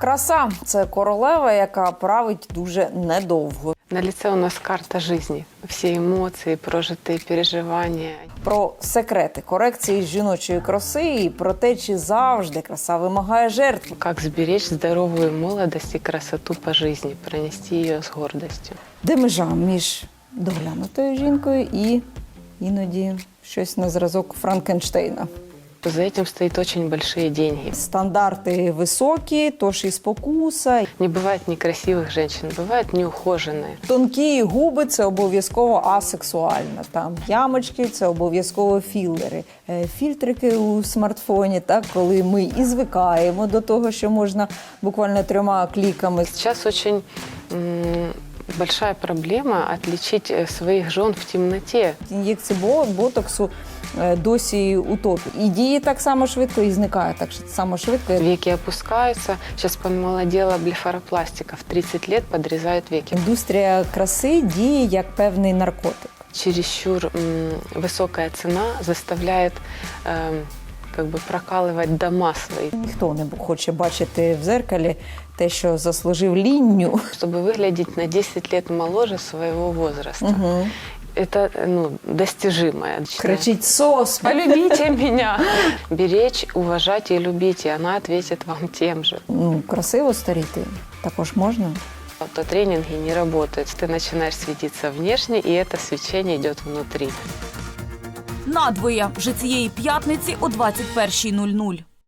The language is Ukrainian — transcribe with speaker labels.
Speaker 1: Краса – це королева, яка править дуже недовго.
Speaker 2: На лице у нас карта жизни. Все эмоции, прожитые переживания.
Speaker 1: Про секрети корекції жіночої краси і про те, чи завжди краса вимагає жертв.
Speaker 2: Как сберечь здоровую молодость и красоту по жизни, пронести ее с гордостью.
Speaker 1: Де межа між доглянутою жінкою і іноді щось на зразок Франкенштейна.
Speaker 2: За этим стоит очень большие деньги.
Speaker 1: Стандарти високі, тож і спокуса.
Speaker 2: Не бывает некрасивых женщин, бывают неухоженные.
Speaker 1: Тонкі губи – це обов'язково асексуально. Там ямочки – це обов'язково філери. Фільтрики у смартфоні, так, коли ми і звикаємо до того, що можна буквально 3 кліками.
Speaker 2: Сейчас очень большая проблема отличить своих жен в темноте.
Speaker 1: Ін'єкції ботоксу досі у топі. І діє так само швидко, і зникає так само швидко.
Speaker 2: Веки опускаются. Сейчас помолодела блефаропластика. В 30 лет подрезают веки.
Speaker 1: Індустрія краси діє як певний наркотик.
Speaker 2: Чересчур высокая цена заставляет как бы прокалывать дома свои.
Speaker 1: Ніхто не хоче бачити в дзеркалі те, що заслужив лінню.
Speaker 2: Чтобы выглядеть на 10 лет моложе своего возраста.
Speaker 1: Угу.
Speaker 2: Это достижимое.
Speaker 1: Кричить «СОС!
Speaker 2: Полюбите меня! Беречь, уважать и любить, и она ответит вам тем же.
Speaker 1: Красиво старіти також можна.
Speaker 2: Автотренинги не работают. Ты начинаешь светиться внешне, и это свечение идет внутри.
Speaker 3: Надвоє вже цієї п'ятниці о 21:00.